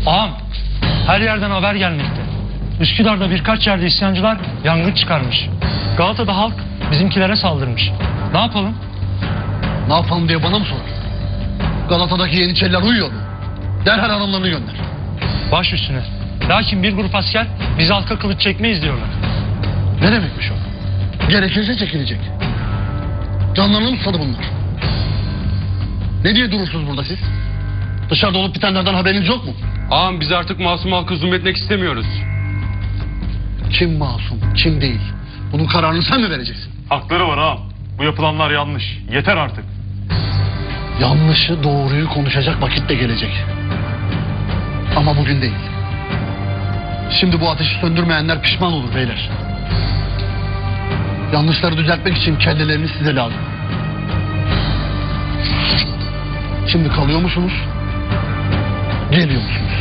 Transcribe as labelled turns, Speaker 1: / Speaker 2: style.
Speaker 1: Ağam, her yerden haber gelmekte. Üsküdar'da birkaç yerde isyancılar yangın çıkarmış. Galata'da halk bizimkilere saldırmış. Ne yapalım?
Speaker 2: Ne yapalım diye bana mı sorar? Galata'daki Yeniçeriler uyuyor mu? Derhal adamlarını gönder.
Speaker 1: Baş üstüne. Lakin bir grup asker biz halka kılıç çekmeyiz diyorlar.
Speaker 2: Ne demekmiş o? Gerekirse çekilecek. Canlarını mı sadı bunlar? Ne diye durursunuz burada siz? Dışarıda olup bitenlerden haberiniz yok mu?
Speaker 3: Ağam biz artık masum halkı zulmetmek istemiyoruz.
Speaker 2: Kim masum, kim değil? Bunun kararını sen mi vereceksin?
Speaker 4: Hakları var ağam. Bu yapılanlar yanlış. Yeter artık.
Speaker 2: Yanlışı doğruyu konuşacak vakit de gelecek. Ama bugün değil. Şimdi bu ateşi söndürmeyenler pişman olur beyler. Yanlışları düzeltmek için kelleleriniz size lazım. Şimdi kalıyor musunuz? Geliyor musunuz?